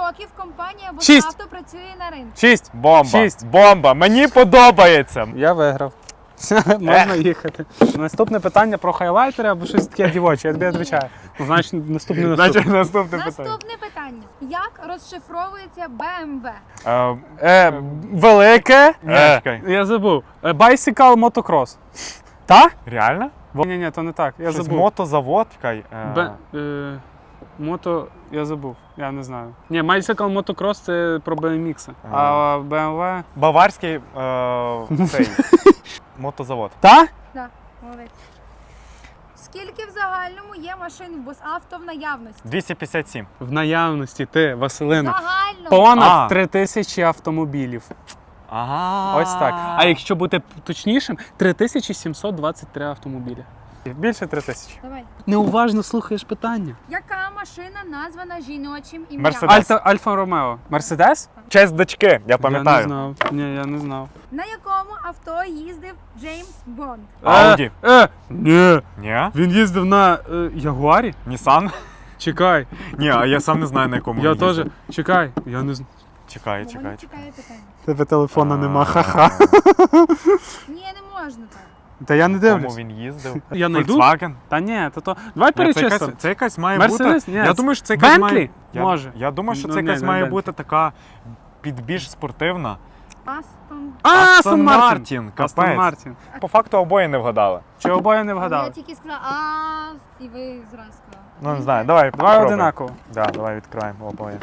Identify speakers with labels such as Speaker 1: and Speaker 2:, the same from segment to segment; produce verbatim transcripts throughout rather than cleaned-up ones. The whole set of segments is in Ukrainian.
Speaker 1: років компанія
Speaker 2: Шість.
Speaker 1: «Босавто» працює на ринку?
Speaker 2: Шість.
Speaker 3: Бомба.
Speaker 2: Шість.
Speaker 3: Бомба. Мені подобається.
Speaker 2: Я виграв. Можна їхати. Наступне питання про хайлайтери або щось таке дівоче, я тобі відповідаю. Ну, значить, наступне
Speaker 3: Значить,
Speaker 2: наступне.
Speaker 3: наступне питання.
Speaker 1: Наступне питання. Як розшифровується Б М В?
Speaker 3: Е,
Speaker 2: Е, велике.
Speaker 3: Ні,
Speaker 2: Е,
Speaker 3: чекай.
Speaker 2: я забув. Е, Bicycle motocross. Та?
Speaker 3: Реально?
Speaker 2: Ні, ні, то не так. Я
Speaker 3: Щось
Speaker 2: забув.
Speaker 3: мотозавод. Чекай. е,
Speaker 2: Б, е, мото, я забув, я не знаю. Ні, Bicycle Motocross це про бі ем ікс, а бі ем ве...
Speaker 3: Баварський е, цей, мотозавод.
Speaker 2: Та?
Speaker 1: Так, молодець. Скільки в загальному є машин в «Босавто» в наявності?
Speaker 3: двісті п'ятдесят сім.
Speaker 2: В наявності ти, Василина.
Speaker 1: Загально.
Speaker 2: Понад
Speaker 3: А.
Speaker 2: три тисячі автомобілів.
Speaker 3: Ага.
Speaker 2: Ось так. А якщо бути точнішим, три тисячі сімсот двадцять три автомобілі. Більше три тисячі.
Speaker 1: Давай.
Speaker 2: Неуважно слухаєш питання.
Speaker 1: Яка машина названа жіночим ім'ям?
Speaker 3: Мерседес.
Speaker 2: Альта, Альфа Ромео. Мерседес?
Speaker 3: Честь дочки, я
Speaker 2: Я не
Speaker 3: пам'ятаю.
Speaker 2: знав. Ні, я не знав.
Speaker 1: На якому авто їздив Джеймс Бонд?
Speaker 3: Ауді.
Speaker 2: Е, е, ні.
Speaker 3: Ні?
Speaker 2: Він їздив на е, Ягуарі?
Speaker 3: Нісан?
Speaker 2: Чекай.
Speaker 3: Ні, а я сам не знаю, на якому
Speaker 2: Я
Speaker 3: він
Speaker 2: теж.
Speaker 3: їздив.
Speaker 2: Чекай. Я не знаю.
Speaker 3: Чекай,
Speaker 1: Бо
Speaker 3: чекай.
Speaker 1: мене чекає питання.
Speaker 2: Тебе телефона
Speaker 3: А,
Speaker 2: нема, ха-ха.
Speaker 1: Ні, не можна так.
Speaker 2: Та я не
Speaker 3: В Кому
Speaker 2: дивлюсь.
Speaker 3: він їздив?
Speaker 2: Я найду?
Speaker 3: Volkswagen?
Speaker 2: Та ні, то то. Давай
Speaker 3: Ні, це, якась,
Speaker 2: перечислимо.
Speaker 3: це якась має
Speaker 2: Мерседес?
Speaker 3: бути.
Speaker 2: Ні,
Speaker 3: Я
Speaker 2: це
Speaker 3: думаю, що це якась
Speaker 2: Bentley?
Speaker 3: має. Я,
Speaker 2: Може.
Speaker 3: Я думаю, що
Speaker 2: Ну,
Speaker 3: це
Speaker 2: ні,
Speaker 3: якась
Speaker 2: не
Speaker 3: має
Speaker 2: Bentley.
Speaker 3: бути така під більш спортивна.
Speaker 1: Астон.
Speaker 2: А,
Speaker 3: Aston
Speaker 2: Астон Мартін.
Speaker 3: Martin,
Speaker 2: Астон
Speaker 3: капець.
Speaker 2: Мартін.
Speaker 3: По факту обоє не вгадали.
Speaker 2: Чи обоє не
Speaker 1: Я
Speaker 2: вгадали?
Speaker 1: тільки сказала а і ви зразу сказали.
Speaker 3: Ну не знаю, давай.
Speaker 2: Два
Speaker 3: попробуй.
Speaker 2: одинаково.
Speaker 3: Да, давай відкриваємо обоє.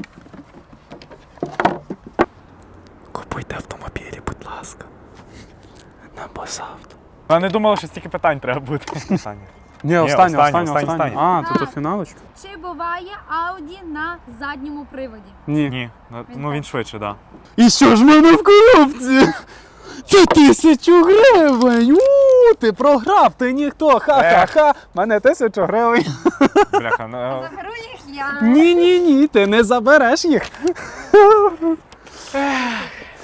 Speaker 2: Купуйте автомобілі, будь ласка. На Босавто.
Speaker 3: Я не думала, що стільки питань треба бути. Питання.
Speaker 2: Ні,
Speaker 3: останнє,
Speaker 2: останнє, останнє,
Speaker 3: останнє,
Speaker 2: останнє.
Speaker 3: останнє.
Speaker 2: А, то то
Speaker 1: А.
Speaker 2: фіналочка?
Speaker 1: Чи буває Ауді на задньому приводі?
Speaker 2: Ні.
Speaker 3: Ні, ну, ну він швидше, так.
Speaker 2: І що ж в мене в коробці? Це тисячу гривень! У, ти програв, ти ніхто, ха-ха-ха! Мене тисячу гривень.
Speaker 3: Да. Бляха, ну,
Speaker 1: Заберу їх я.
Speaker 2: Ні-ні-ні, ти не забереш їх.